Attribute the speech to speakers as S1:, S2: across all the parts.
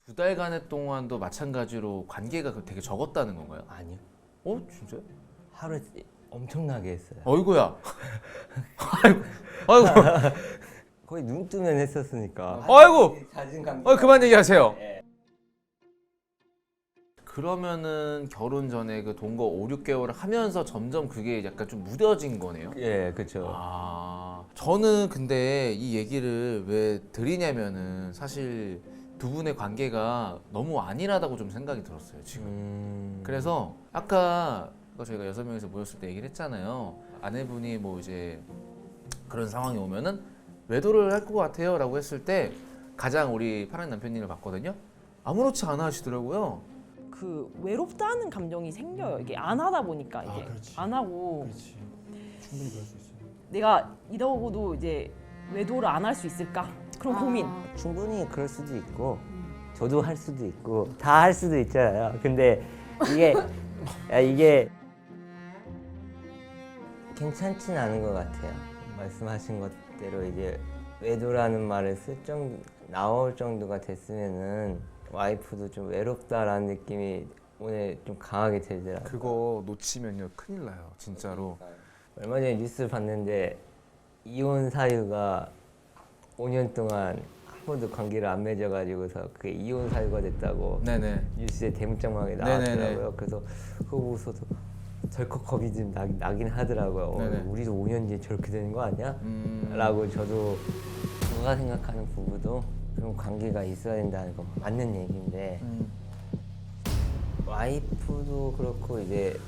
S1: 2달간의 동안도 마찬가지로 관계가 되게 적었다는 건가요?
S2: 아니요.
S1: 진짜요?
S2: 하루 엄청나게 했어요.
S1: 어이구야. 아이고, 아이고,
S2: 거의 눈 뜨면 했었으니까.
S1: 아이고.
S2: 잦은 관계.
S1: 그만 얘기하세요.
S2: 예.
S1: 그러면은 결혼 전에 그 동거 5, 6개월을 하면서 점점 그게 약간 좀 무뎌진 거네요?
S2: 예, 그렇죠.
S1: 저는 근데 이 얘기를 왜 드리냐면은 사실 두 분의 관계가 너무 안일하다고 좀 생각이 들었어요, 지금. 그래서 아까 저희가 6명이서 모였을 때 얘기를 했잖아요. 아내분이 뭐 이제 그런 상황이 오면은 외도를 할 것 같아요 라고 했을 때 가장 우리 파란 남편님을 봤거든요. 아무렇지 않아 하시더라고요.
S3: 그 외롭다는 감정이 생겨요. 이게 안 하다 보니까 이게
S4: 그렇지.
S3: 안 하고
S4: 그렇지. 충분히 그럴 수 있어요.
S3: 내가 이러고도 이제 외도를 안 할 수 있을까? 그런 고민.
S2: 충분히 그럴 수도 있고 저도 할 수도 있고 다 할 수도 있잖아요. 근데 이게 괜찮진 않은 것 같아요. 말씀하신 것대로 이제 외도라는 말을 나올 정도가 됐으면은 와이프도 좀 외롭다라는 느낌이 오늘 좀 강하게 들더라고요.
S1: 그거 놓치면요 큰일 나요, 진짜로.
S2: 얼마 전에 뉴스 봤는데 이혼 사유가 5년 동안 한 번도 관계를 안 맺어가지고서 그게 이혼 사유가 됐다고
S1: 네네.
S2: 뉴스에 대문짝만하게
S1: 네네네.
S2: 나왔더라고요. 그래서 그거 보고서도 덜컥 겁이 좀 나긴 하더라고요.
S1: 네네.
S2: 우리도 5년 뒤에 저렇게 되는 거 아니야?
S1: 음.
S2: 라고 저도 제가 생각하는 부부도 그런 관계가 있어야 된다는 거 맞는 얘기인데 와이프도 그렇고 이제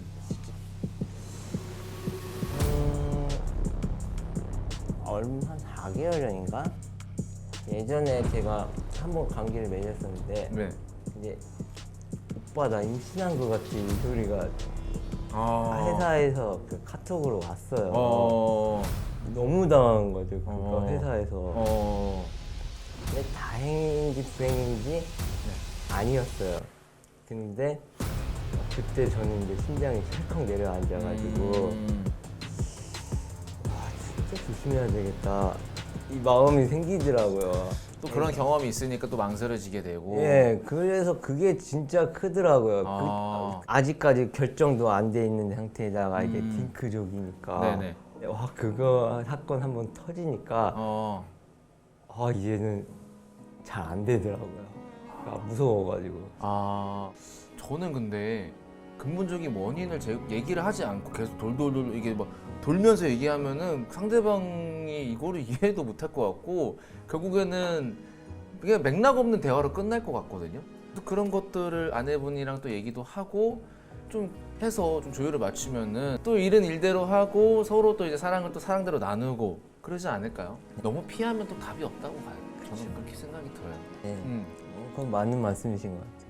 S2: 한 4개월 전인가? 예전에 제가 한 번 관계를 맺었었는데
S1: 네.
S2: 이제 오빠 나 임신한 거 같지 이 소리가
S1: 아.
S2: 회사에서 그 카톡으로 왔어요. 너무 당한 거죠. 그거
S1: 어.
S2: 회사에서. 근데 다행인지 불행인지 아니었어요. 근데 그때 저는 이제 심장이 철컥 내려앉아가지고 진짜 조심해야 되겠다 이 마음이 생기더라고요.
S1: 또 그런 경험이 있으니까 또 망설여지게 되고.
S2: 예, 그래서 그게 진짜 크더라고요. 아직까지 결정도 안 돼 있는 상태에다가 이제 딩크족이니까.
S1: 네네.
S2: 와, 그거 사건 한번 터지니까 이제는 잘 안 되더라고요. 무서워가지고.
S1: 저는 근데 근본적인 원인을 얘기를 하지 않고 계속 돌돌돌 이게 막 돌면서 얘기하면은 상대방이 이거를 이해도 못할 것 같고 결국에는 그냥 맥락 없는 대화로 끝날 것 같거든요. 또 그런 것들을 아내분이랑 또 얘기도 하고 좀 해서 좀 조율을 맞추면은 또 일은 일대로 하고 서로 또 이제 사랑을 또 사랑대로 나누고 그러지 않을까요? 너무 피하면 또 답이 없다고 봐요. 저는 그렇게 생각이 들어요.
S2: 네. 그건 맞는 말씀이신 것 같아요.